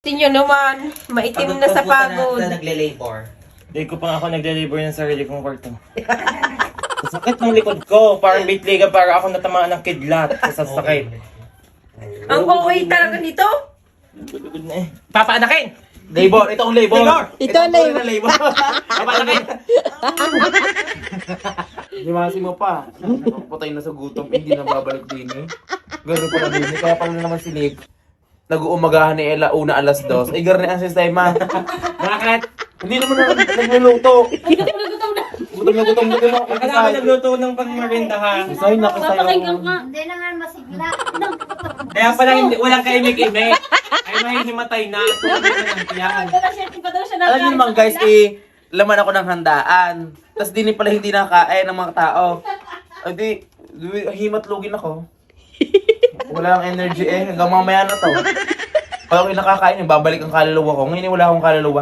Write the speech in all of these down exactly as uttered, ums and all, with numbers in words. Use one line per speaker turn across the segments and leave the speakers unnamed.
Tingnan naman, maitim na sa pagod.
Na, na nagle-labor.
Hindi ko pa ako nagle-labor ng sarili kong kwarto. Sakit ng likod ko. Parang bitliga para ako natamaan ng kidlat sa sasakit.
Ang okay talaga nito.
Good na eh. Papaanakin!
Labor! Ito ang labor!
Labor!
Ito ang labor.
na labor!
Papaanakin!
Himasi mo pa. Patay na sa gutom, hindi na babalik din eh. Gano'n pala din eh. Kaya pala naman si Nick. Nag-uumagahan ni Ella una alas dos. Ay, gano'n ang sistema.
Bakit?
Hindi naman na nagluluto. Gutom na gutom na gutom ako.
Akala ko nagluto ng pangmarinda ha.
Isay, nakisayaw.
Papakinggan ka. Hindi naman masigla.
Kaya pala hindi, walang kaimik-imik. Ay may himatay na. Tulad na ng tiyan.
Alam niyo naman guys, eh, laman ako ng handaan. Tapos di pala hindi nakakain ng mga tao. Ay di, di- himatlugin ako. Wala akong energy eh, hanggang mamaya na to. Pag ako'y nakakain, babalik ang kaluluwa ko. Ngayon wala akong kaluluwa.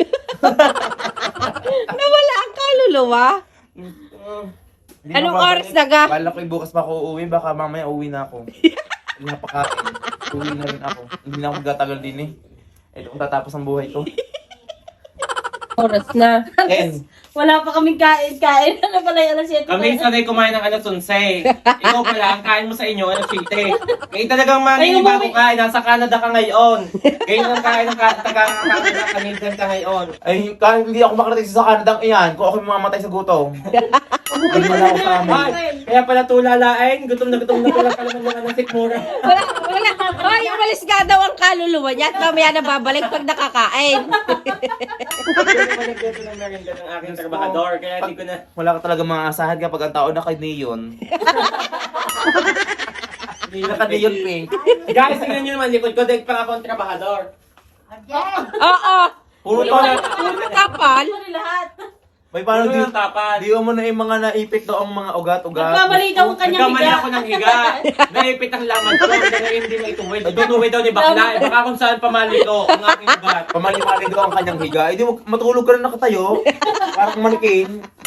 Nawala ang kaluluwa.
Hindi
Anong
na babalik.
oras na ga?
Bala ko'y bukas pa ako uuwi, baka mamaya uwi na ako. Napakain. Uwi na rin ako. Hindi na ako gatagal din eh. Ito kung tatapos ang buhay ko.
Oras na.
And,
Wala pa kaming kain-kain. Ano pala yung alas siyete?
Kami sanay kumain ng alas onse. Ikaw pala, ang kain mo sa inyo, alas siyete. Ngayon talagang maninibago ka, nasa Canada ka ngayon. Ngayon ang kain ng ka- taga-Canada, Canadian ka ngayon.
ay, kahit hindi ako makarating sa Canada iyan, kung ako mamamatay sa gutom. Hindi wala ako sa amin.
Ay, kaya pala tulalain, gutom na gutom na tulang kalaman ng sikmura.
Wala, wala. Hoy, umalis nga daw ang kaluluwa niya at mamaya na babalik pag nakakain.
Hindi naman nagbeto ng merienda ng aking trabahador, kaya hindi ko na...
Wala ka talaga maasahan kapag ang tao naka-neon. Naka-neon pink.
Guys, tingnan nyo naman, likod ko, dahil pa ako ang trabahador.
Oo.
Puro to na...
Puro kapal.
Lahat.
May paano
Puro
di,
yung tapad.
di mo na yung mga naipit daw ang mga ugat-ugat.
Nagkamali daw ang kanyang
Nagkamali
higa.
ako ng higa. Naipit ang laman ko. Dahil hindi mo ituwid. Itutuwid daw ni bakla. Eh, baka kung saan pamali ko ang aking ugat.
Pamali-mali daw ang kanyang higa. Eh di mo- matulog ka na nakatayo. Parang manikin.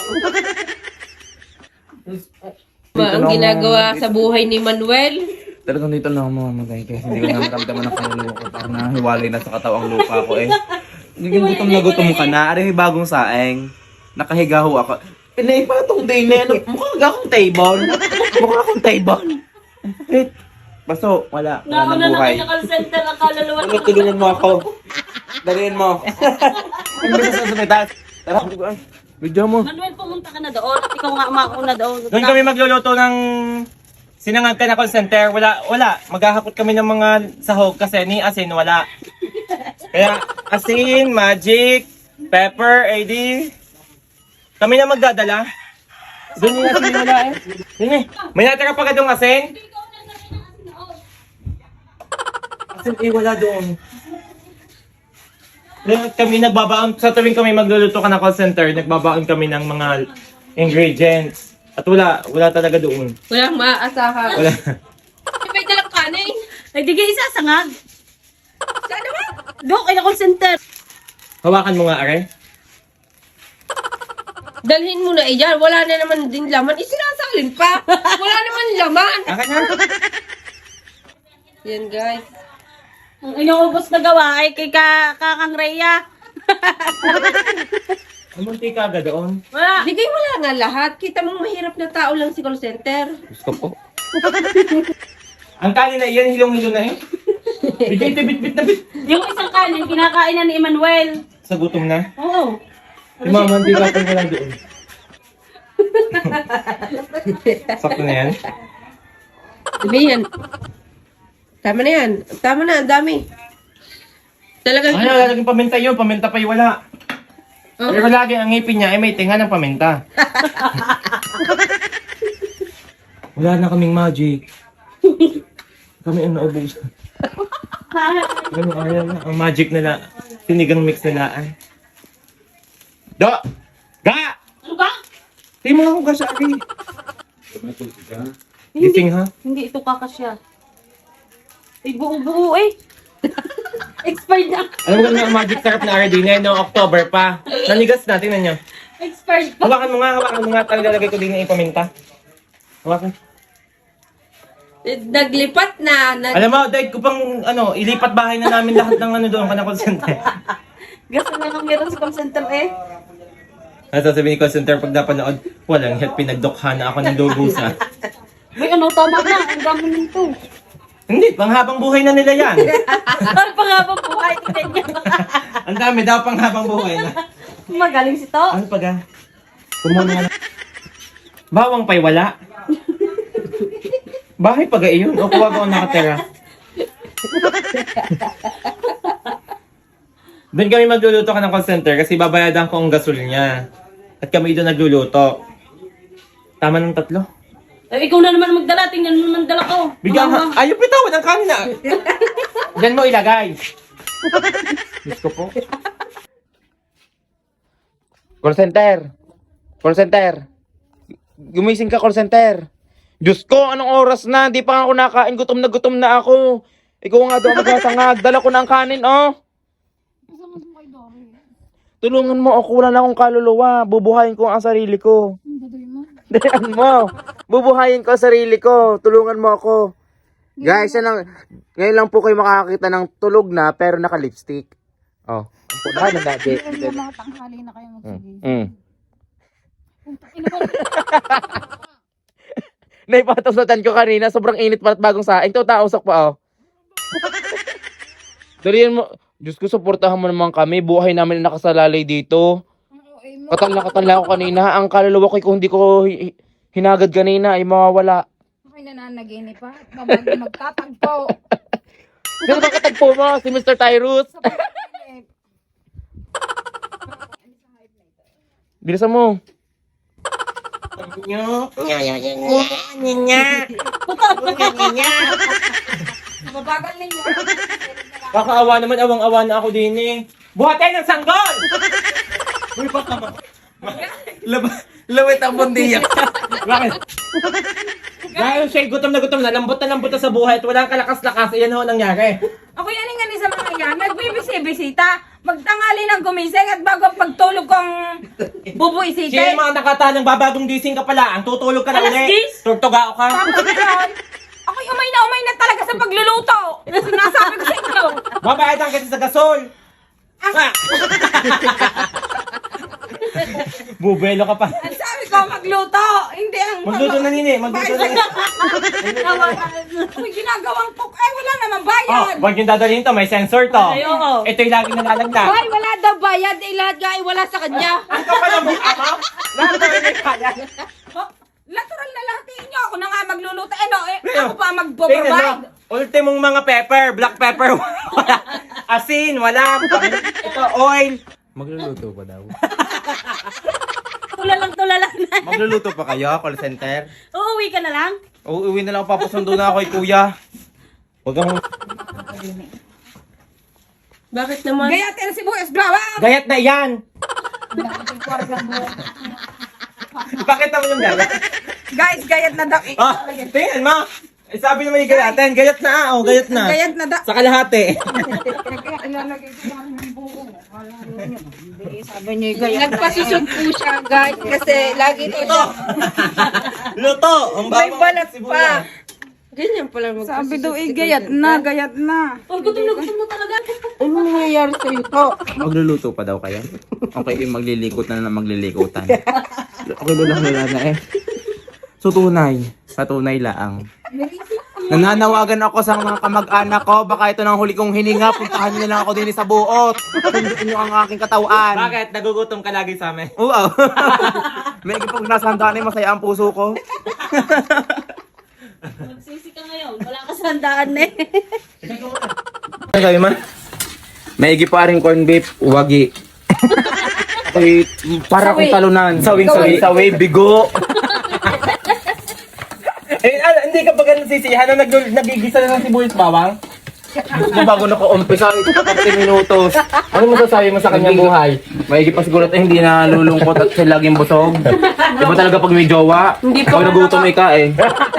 Ma, ang ginagawa sa buhay ni Manuel.
Talagang dito na ako mamamatay kasi hindi ko naramdaman ang kaluluwa ko. Parang nahiwalay na sa katawang lupa ko eh. Naging gutom na gutom ka na. Ano yung bagong saeng? Nakahiga ho ako. Pinay pa itong day na yan. Mukha akong table. Mukha akong table. Bakit? Baso, wala. Wala
Nauna
na
na
buhay.
kayo call center ang kaluluwa.
Ano, tulungan mo ako. Dalhin mo. Hindi sa sasalitas. Tara, video mo.
Manuel, pumunta ka na doon. Ikaw nga umakuna doon.
Doon kami magluluto ng sinangag ka na call center. Wala, wala. Maghahakot kami ng mga sahog kasi ni asin wala. Kaya asin, magic, pepper, A D. Kami na magdadala. Doon yung asin wala eh. Yun eh. May natira pa ka doon asin? Asin eh wala doon. Kaya kami nagbabaon, sa tuwing kami magluluto ka ng call center, nagbabaon kami ng mga ingredients. At wala, wala talaga doon.
Walang maaasahan.
Wala.
May dalang kanin.
Ay, di kayo isa, sangag.
Saan naman?
Doon, kaya call center.
Hawakan mo nga, Are.
Dalhin mo na iyan. Wala na naman din laman. Isinasalin pa. Wala naman laman.
Akin na.
Yan guys.
Ang inuubos na gawa ay kay ka, Kakang Rhea.
Umunti ka agad doon.
Wala.
Bigay mo lang nga lahat. Kita mong mahirap na tao lang si call center.
Gusto po.
Ang kanin na iyan, hilong-hilo na eh. Bigay ito, bit-bit na bit.
Yung isang kanin, kinakain na ni Emmanuel.
Sa gutom na.
Oo.
Si Mama, hindi ka pa wala doon. Sakto na yan.
Diba yan? Tama na yan. Tama na, ang dami. Talagang...
Ay, lalaging paminta yun. Paminta pa yung wala.
Oh.
Pero lagi ang ngipin niya ay may tinga ng paminta. Wala na kaming magic. Kami ang naubos. Ano, ayaw na. Ang magic nila. Sinigang mix nila ay. Do! Ga!
Ano ka?
Di mo ako kasari. Gising ha?
Hindi ito kakasya. Ay, buo-buo eh. Expired na.
Alam mo nga magic sarap na Ardina no October pa. Nanigas na, tingnan nyo.
Expired pa.
Hawakan mo nga, hawakan mo nga. Talaga lagay ko din ng ipaminta. Hawakan.
Eh, Naglipat na. Nag-
Alam mo, dahil ko pang, ano, ilipat bahay na namin lahat ng ano doon ka na call center.
Gusto na lang meron sa call center eh.
Ano sasabihin ni call center pag napanood, walang help, pinagdukha na ako ng lubusa.
Uy, ano, tama na. Ang dami nito.
Hindi, panghabang buhay na nila yan.
Ano pa nga ba buhay? Tingnan niyo.
Ang dami daw panghabang buhay na.
Magaling si to.
Ano pa ga? Kumuna na. Bawang pa'y wala. Bahay pa ga iyon? O kuwag ako nakatira? Doon kami magluluto ka ng call center kasi babayadan ko ang gasol niya. At kami doon nagluluto. Tama ng tatlo.
Eh, ikaw na naman magdala. Tingnan mo naman dala ko.
Bigyan ka. Ayaw pitawan ang kanin na. Diyan mo ilagay. Diyos ko po.
Call center. Call center. Gumising ka, call center. Diyos ko, anong oras na? Di pa nga ako nakain. Gutom na gutom na ako. Ikaw nga daw magsasangag. Dala ko na ang kanin, oh. Tulungan mo ako. Wala na akong kaluluwa. Bubuhayin ko ang sarili ko. Dayan mo. Bubuhayin ko ang sarili ko. Tulungan mo ako. Guys, yan lang. Ngayon lang po kayo makakakita ng tulog na pero naka-lipstick. Oh. Ang punahan na dati.
Mga tanghali na kayo magsigising.
Mm. Naipatasutan ko kanina, sobrang init pa at bagong saing. Ito, tausok pa, oh. Dalihan mo. Diyos ko, suportahan mo naman kami. Buhay namin na nakasalalay dito. Katal na katal na ako kanina. Ang kaluluwa ko, kung hindi ko hi- hinagad kanina, ay mawawala.
Ako'y nananaginip pa. Babag magtatagpo.
Sino ba katagpo mo? Si Mister Tyrus? Bilisan mo.
Mabagal ninyo.
Kakaawa naman, awang-awa na ako din eh. Buhatin ng sanggol! Uy, baka ma...
Lab- lawit ang bundiyak.
Bakit? Dahil siya gutom na gutom na, lambot na lambot na sa buhay at walang kalakas-lakas, iyan ho ang nangyari.
Ako yan nga ni sa mga yan. Nagbibisi-bisita. Magtangali ng gumising at bago ang pagtulog kong
Sino
bubuisitin.
yung mga nakatalang babagong gising ka pala, ang tutulog ka na
Alas
ulit.
diyes?
Turtugao ka.
Tapos ngayon, ako'y umay na umay na talaga sa pagluluto. Sinasabi ko sa inyo.
Babayadan kita sa gasol. Ah. Bubelo ka pa.
Ang sabi ko, magluto. Hindi ang...
Magluto na nini, magluto na nini.
May ginagawang cook. Eh, wala naman
Oh,
bayad.
wag yung dadalhin to, may sensor to.
Ay, oo.
Ito yung laging nalalaglag.
Ay, wala daw bayad. Eh, lahat nga ay wala sa kanya.
Ang kapal ang mukha mo. Lahat na rin may kaya.
Oh, natural na lahat niyo. Ako na nga magluluto. Eh, no, eh,
Leo,
ako pa
Tingnan
magpo-provide.
mo, ultimong mga pepper, black pepper, wala. Asin, wala. Ito, oil. Magluluto pa daw.
Tulalang tulalang na.
Magluluto pa kayo, call center?
Uuwi ka na lang.
Uuwi na lang, papasundo na ako kay kuya.
Huwag kang...
Bakit naman?
Gaya tayo si Buhes Bawang.
Gayat na yan! Pakita mo yung gayat.
Guys, gayat na daw. Eh,
Ah, tingnan mo. Eh, sabi naman yung gayatin, gayat na ah, oh, gayat na.
Gayat na daw.
Sa kalahati.
Sabi niyo, gayat. Nagpasisod po siya, guys. Kasi lagi ito siya.
Luto! Ang
May
bawang
balat
sibuyas.
pa.
Ganyan pala mag-
Sabi daw, eh, gayat na, gayat na.
Oh, gutom na gutom na talaga.
Ano nangyayari sa ito?
Magluluto pa daw kayo? Okay, yung maglilikot na na maglilikotan. Okay, lulang lula na eh. So, tunay. Sa tunay laang. Nananawagan ako sa mga kamag-anak ko. Baka ito na ang huli kong hininga. Puntahan niyo na lang ako din sa buot. Sunduin niyo ang aking katawan.
Bakit? Nagugutom ka lagi sa amin.
Oo. May pag nasa handaan ay masaya ang puso ko.
Magsisi ka ngayon. Wala ka sa handaan eh.
Ano sabi man? Maigi pa rin corn beef, wagi. Okay, para akong talunan. Sawing sawing sawi, bigo.
Eh, ah, hindi ka ba ganun sisiyahan na nag nagigisa na ng sibuyas bawang?
Kung bago na ko umpisa, ito pa thirty minutos. Ano masasabi mo sa kanyang buhay? Maigi pa siguro at hindi na lulungkot at siya laging busog. Diba talaga pag may jowa?
Hindi pa
Pag nagutom ika eh.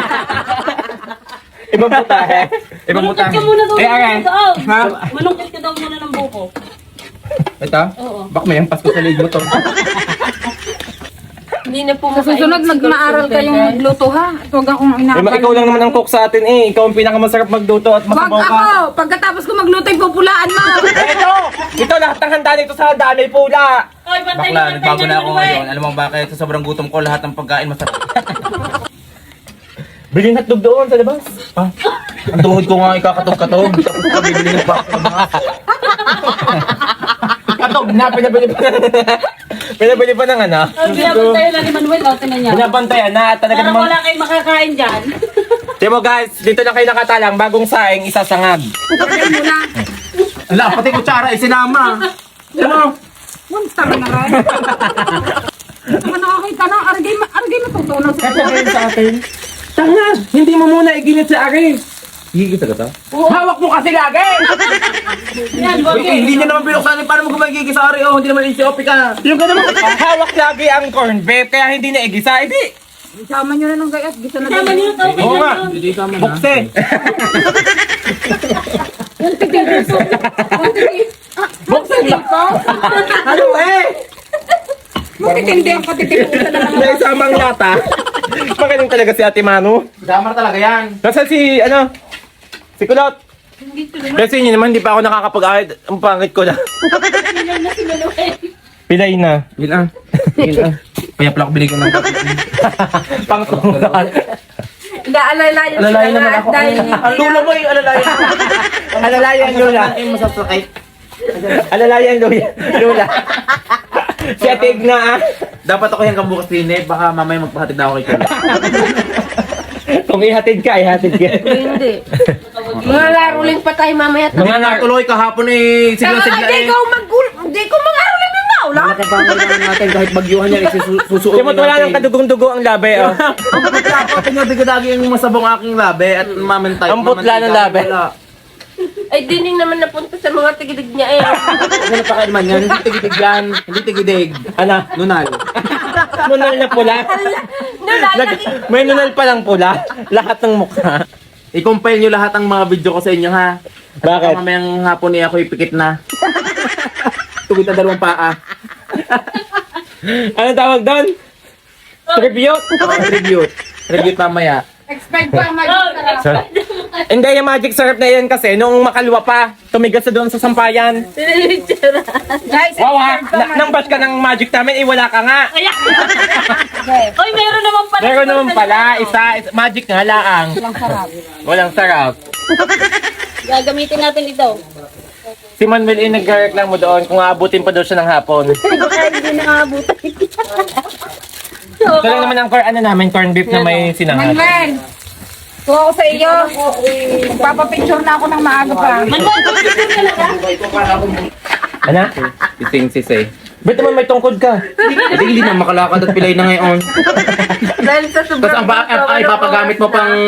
Ibang putahe. Ibang
Malungkot
putahe.
ka muna daw.
Eh, ayan.
daw.
Ha?
Malungkot ka daw muna ng buko.
Ito?
Oo.
Bak may ampas ko sa leg mo to.
Hindi na po
Sa susunod,
makainit si
mag-maaral
call
kayong
center.
magluto ha. At huwag akong
Eh, ma-
inaakal.
ikaw lang naman ang cook sa atin eh. Ikaw ang pinakamasarap magluto at
Wag
masabaw ka.
ako! Pagkatapos ko magluto, pupulaan mo!
Ito! Ito lahat ng handa nito sa handa may pula.
Oy, bantay
Bakla,
na, bantay
nagbago
na
na ako
naman,
ngayon. Alam mo bakit? Sa sobrang gutom ko, lahat ng pagkain masarap.
Bilhin hotdog doon sa labas.
Ah, ang tuhod ko nga ikakatog-katog. Tapos ko bibili ng baka.
Katog na, pinabili pa pinabili pa ng ano.
Ang binabantayan na ni Manuel, o, tinan niya.
Pinabantayan na at talaga
Parang
namang...
wala kayong makakain dyan.
Di mo guys, dito lang kayo nakatalang, bagong saing, isasangag.
Pagkain mo na.
Ala, pati kutsara, isinama. Ano mo?
Monster na rin. Saka nakakita na, aragay, aragay matutunan sa
Sasabihin sa atin, tanga, hindi mo muna iginit sa akin.
Higit ka ta?
Hawak mo kasi lagi!
Yan,
Eh,
Bogi.
hindi niya naman binuksan. Paano mo kumagigis sa ari? Oh, hindi naman insiopi ka.
Yung ka naman, hawak lagi ang corn beef, kaya hindi na igisa, hindi.
Isama nyo na ng gayat, gisa na
Tama niyo, okay
Oo nga.
na yun.
Hindi tama na.
Bukse. Bukse lang. Ano eh?
Matitindi ang katitipusan na
May isamang lata. Magaling talaga si Ate Manu.
Damar talaga yan.
Nasaan si, ano? Si Kulot. Kasi yun naman, hindi pa ako nakakapag-ahit. Ang pangit ko na.
Pilay na si Manuel.
Pilay na.
Yun ah. Yun ah. Kaya pala ko bili ko ng
Pangtungan.
Naalalayan
Alalayan naman ako.
Dahil
Ang lulo mo yung alalayan.
Alalayan Lula.
Ay, masasakit.
Alalayan Lula. Lula. Si Ate Igna ah.
Dapat ako yung kabukas din eh. Baka mamaya magpahatid na ako kay Kuya.
Kung ihatid ka, ihatid ka.
Hindi. Mga laruling pa tayo mamaya.
Mga nar-
Natuloy kahapon eh. Sigla-sigla
Hindi
eh.
ko magul... Hindi ko mangaruling ng maula.
Malaki pa ang kailangan natin kahit bagyuhan yan. Susuot
Di mo wala ng kadugong-dugo ang labi oh.
Ang putla ko. Tingabi-gadagi yung masabong aking labi at mamantay.
Ang putla ng labi.
Ay, dining naman napunta sa mga tigidig niya eh.
Ano pa kayo naman yan? Hindi tigidig yan. Hindi tigidig.
Ano?
Nunal.
Nunal na pula.
Nunal,
Nag- may nunal palang pula. Lahat ng mukha.
I-compile nyo lahat ng mga video ko sa inyo ha. At
Bakit?
baka mamayang hapon eh ako ipikit na. Tugit na dalawang paa.
Ano tawag doon? Tribute?
Oh, tribute. Tribute mamaya.
expect pa ang mag-sarap.
Hindi, yung magic syrup na yan kasi, nung makalwa pa, tumigas na doon sa sampayan.
Guys,
Wow ha, na- nang bash ka ng magic namin, eh wala ka nga.
Kaya. Oy, meron naman pala.
Meron naman pala, isa, isa magic nga laang.
Walang sarap.
Walang sarap.
Gagamitin natin ito.
Si Manuel eh nagreklamo doon kung aabutin pa daw siya ng hapon.
Baka hindi nakaabutan.
Ito lang naman ang corn, ano namin, corn beef na may sinangag.
Manuel, kuha ko sa iyo. Papapicture na ako ng maaga pa.
Manuel, picture talaga?
Ano?
Iting sis eh.
Ba't naman may tungkod ka?
Hindi, hindi na makalakad at pilay na ngayon.
Dahil sa
Tapos
sobrang...
ang ba- ay papagamit mo pang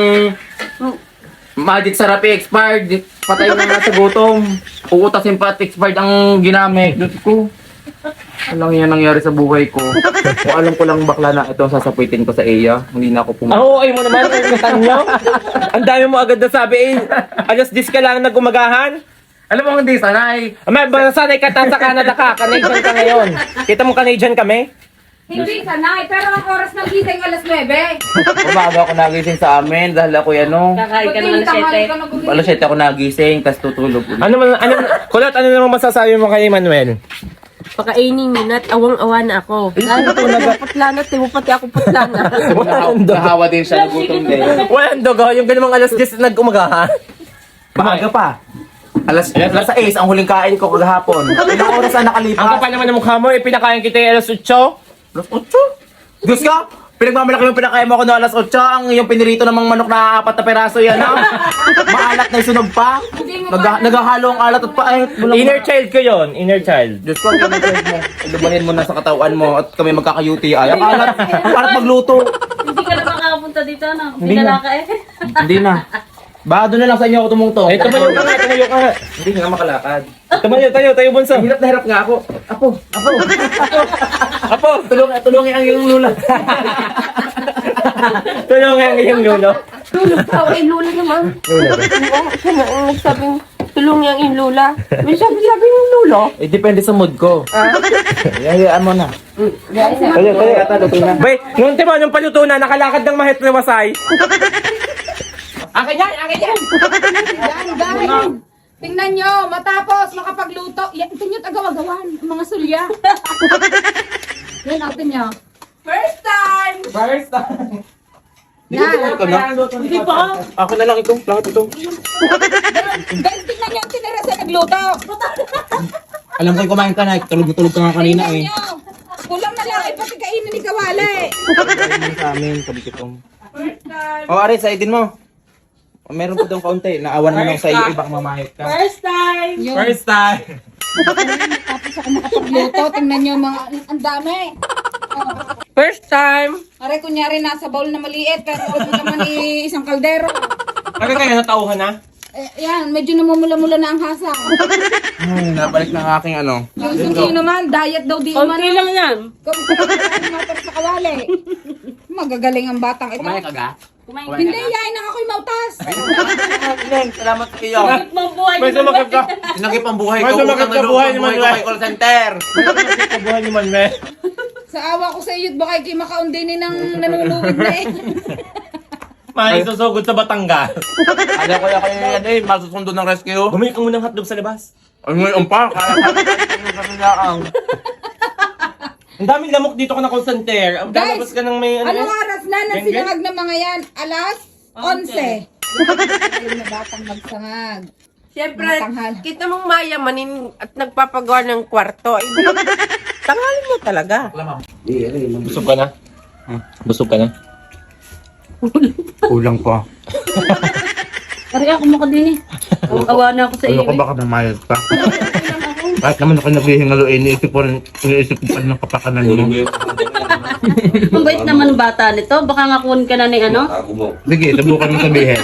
magic sarap eh, expired. Patay na nga sa gutom. Uutasin pa at expired ang ginamit. Diyos ko. Ano lang yan nangyari sa buhay ko. Kung alam ko lang bakla na ito, sasapitin ko sa iya. Hindi na ako
Ang
pumunta.
huway mo naman, ang ingatan nyo. Ang dami mo agad na sabi eh. Alas dis ka lang nagumagahan.
Alam mo hindi sanay.
Ama, ba sanay ka ta sa Canada ka, Canadian ka ngayon. Kita mo Canadian kami?
Hindi sanay, pero ang oras ng gising alas nuwebe.
Umaga ako nagising sa amin dahil ako ano.
Kakain ka
Buti
naman
yung
ng
tanghali
sete.
ka nagugising.
Alas siyete ako nagising, tapos tutulog ulit.
Ano man, ano, Kulot, ano naman masasabi mo kay Manuel?
Pakainin yun at awang-awa na ako. Dahil ito nagputla na, tibo pati ako putla na.
Walang dugo.
Nahawa din siya, nagutom din.
Walang dugo, yung ganun alas dis nagumagahan.
Maaga pa. Alas, alas sais ang huling kain ko kagahapon. Ilang oras na nakalipas?
Ang kapal naman ng mukha mo, eh, pinakain kita yung alas otso.
Alas otso? Diyos ka! Pinagmamalaki mo pinakain mo ako ng alas otso. Ang yung pinirito ng mga manok na apat na peraso yan, ha? Maalat na yung sunog pa. Nag naghahalo ang alat at pa. Ay, walang-
Inner child ko yon, inner child.
Diyos ko, ang inner mo. Ilubanin mo na sa katawan mo at kami magkaka-U T I. Ang alat, ang alat magluto.
Hindi ka na makakapunta dito, no?
Hindi
Hindi
na.
ka eh.
Hindi na. Baka doon na lang sa inyo ako tumungtong.
Eh, tumayo ka nga, tumayo ka nga.
Hindi nga makalakad.
Tumayo, tayo, tayo bunso.
Hirap na hirap nga ako. Apo, apo.
Apo,
Tulungan, tulungan ang iyong lula.
tulungan ang iyong lolo.
Tulog ka, ay lula naman. Oo, siya na ang nagsabing tulong yang inlula. May sabi-sabi yung lulo.
Eh, depende sa mood ko.
Ah?
Hayaan mo na. Kaya, kaya, luto na.
Bay, nung timo, nung paluto na, nakalakad ng mahit na wasay.
Akin yan, akin yan.
Yan, guys. Tingnan nyo, matapos makapagluto. Yan, ito nyo tagawagawan, mga sulya. Yan, natin nyo. First time!
First time.
Yan.
Hindi pa.
Ako na lang ito, lahat ito.
Guys, tingnan nyo ang tinira sa nagluto.
Alam ko yung kumain ka na, tulog na tulog ka nga kanina
Tingnan
eh.
nyo. Kulang na lang, ipati kainin ni Kawale.
Sa amin, kabikitong. O, Aris, sa idin mo. O, meron pa doon kaunti. Naawan mo lang sa iyo, ibang mamahit ka.
First time.
Yun.
First time.
Tapos ako makapagluto, tingnan nyo mga, ang dami. Oh.
First time.
Aray, kunyari nasa bowl na maliit, pero ito naman eh, isang kaldero.
Ano kayo, natauhan na?
Eh, yan, medyo namumula-mula na ang hasa.
Ay, nabalik ng aking ano.
Yung sundi naman, diet daw di
Konti
umano.
lang yan.
Kung kumakain mo sa Kawale. Magagaling ang batang ito.
Kumain ka ga?
Hindi, yain na ako'y mautas.
Salamat sa iyo.
Mabuhay
May
naman.
sumakit ka.
Sinagip ang buhay
May
ko.
sumakit
Utang
ka
na
buhay
loob ang
naman,
buhay ko
Wes.
kay call center.
Kabuhan ni Manme.
Sa awa ko sa iyo't baka kayo makaundinin ng nanuluwid na eh.
May susugod sa Batangas.
Alam ko yung kaya yan eh, masusundo ng rescue.
Bumili ka muna ng hotdog sa labas.
Ang ngayon pa, kaya kaya ang.
Ang daming lamok dito ko na call center. Ang
Guys,
lalabas ka ng may ano.
Anong oras na nang
Geng-geng?
sinangag ng mga yan? Alas onse. Magaling na batang magsangag.
Siyempre,
Matanghal.
kita mong mayamanin at nagpapagawa ng kwarto. Eh, tangalin mo talaga.
Busog ka na? Busog ka na?
Kulang pa.
Pari ako mo ka din eh. Awa na ako sa iyo.
Ano ko baka mamayad pa? Kahit naman ako naghihingalo, eh, iniisip ko rin, iniisip ko pa rin ng kapakanan mo.
Ang bait naman ng bata nito. Baka nga kunin ka na ni ano.
Sige, subukan mo sabihin.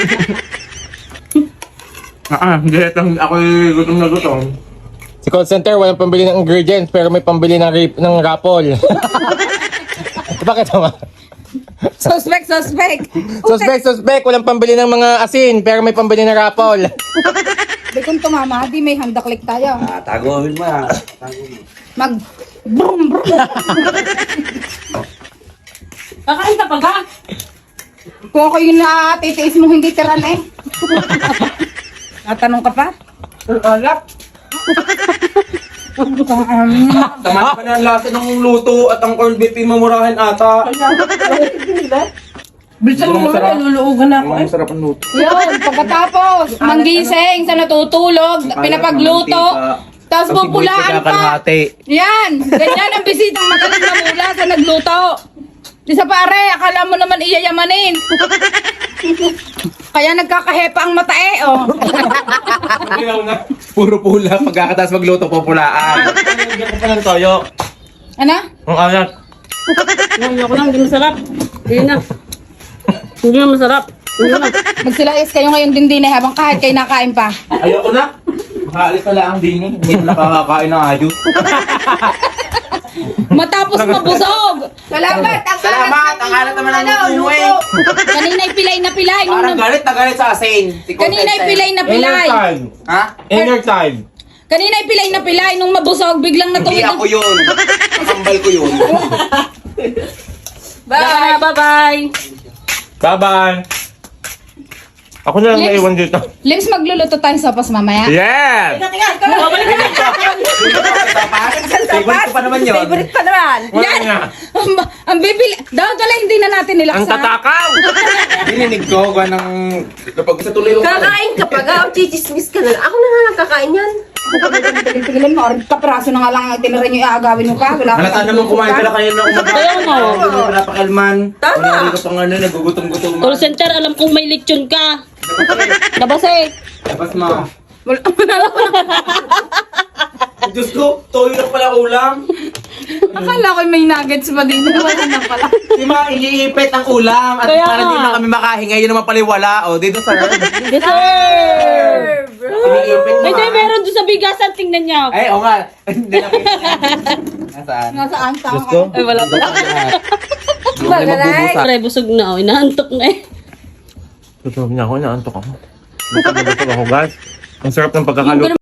Ah, ah, hindi, itang ako'y gutom na gutom.
Si call center, walang pambili ng ingredients pero may pambili ng, rip, ng rapol. Bakit naman?
Suspect, suspect.
Suspect, suspect, walang pambili ng mga asin pero may pambili ng rapol.
Di kung tumama, di may handaklik tayo.
Ah, taguhin mo ah.
Mag... Brum, brum.
Kakain ka pa ga?
Kung ako yung natitiis mo hindi tiran eh. Natanong ka pa?
Ang alak. Tama pa na ang lasa ng luto at ang corned beef yung mamurahin ata.
Bilisan mo na, niluluugan na ako eh.
Masarap ang luto.
Yun, pagkatapos, manggising sa natutulog, pinapagluto, tapos pupulaan pa. Yan, ganyan ang bisitang magaling na mula sa nagluto. Di sa pare, akala mo naman iyayamanin. Kaya nagkakahepa ang mata eh, oh.
Puro pula, pagkakatas magluto, pupulaan.
Hindi ko pa ng toyo.
Ano?
Ang alat.
Ayoko lang, hindi masarap. Hindi na. Hindi na masarap. Hindi na.
Magsilayas kayo ngayon din din eh, habang kahit kayo nakain pa.
Ayoko na. Makaalis pala ang dini. Hindi na nakakakain ng ayos.
Matapos mabusog. Salamat, ang
Salamat! Ang alat naman ang luto eh.
Kanina'y pilay na pilay. Nung
Parang
nag-
galit na galit sa asin. Si
Kanina'y
Content.
pilay na pilay.
Inner child.
Ha?
Inner child.
Kanina'y pilay na pilay. Nung mabusog, biglang
Hindi
natuwid.
ako yun. Nakambal ko yun.
Bye. Bye-bye.
Bye-bye. Ako na lang
Lips.
naiwan dito.
Lips, magluluto tayo sa pas mamaya.
Yes!
Favorite ko pa naman yun.
Favorite pa naman.
Wala
Yan!
na.
Ang, ang bibili. Dapat wala hindi na natin
Ang
nilaksa.
tatakaw!
Dininig ko gawa ng... Kapag sa tuloy ko.
Kakain ka pa, ga, chichismis ka na lang. Ako na nga lang kakain yan.
Tigil-tigilan mo. Or kapraso na nga lang tinira nyo iaagawin mo pa. Wala
Halata naman kumain ka na kayo ng umaga.
Ayaw mo.
Hindi mo pinapakalman.
Tama.
Wala rin ka pang ano, nagugutom-gutom.
Call center, alam kong may lechon ka. Labas eh.
Labas mo.
Wala.
Diyos ko, toyo lang pala ulam.
Akala ko may nuggets pa din. Wala na pala.
Di ba, iniipit ang ulam. At
Kaya
para
nga.
hindi na kami makahinga, yun naman pala yung wala. O, dito sir.
Deserve.
Iniipit mo.
Ay, di,
ah.
meron doon sa bigasan. Tingnan niyo.
Ay, o nga. Hindi na Nasaan?
Nasaan tao
Diyos ko.
ka?
Ay, wala pala.
Hindi na magbubusa.
Pare, busog na. Oh, inaantok na eh.
Tutulog niya ako, naantok ako. Busog na busog ako, guys. Ang sarap ng pagkakaluto.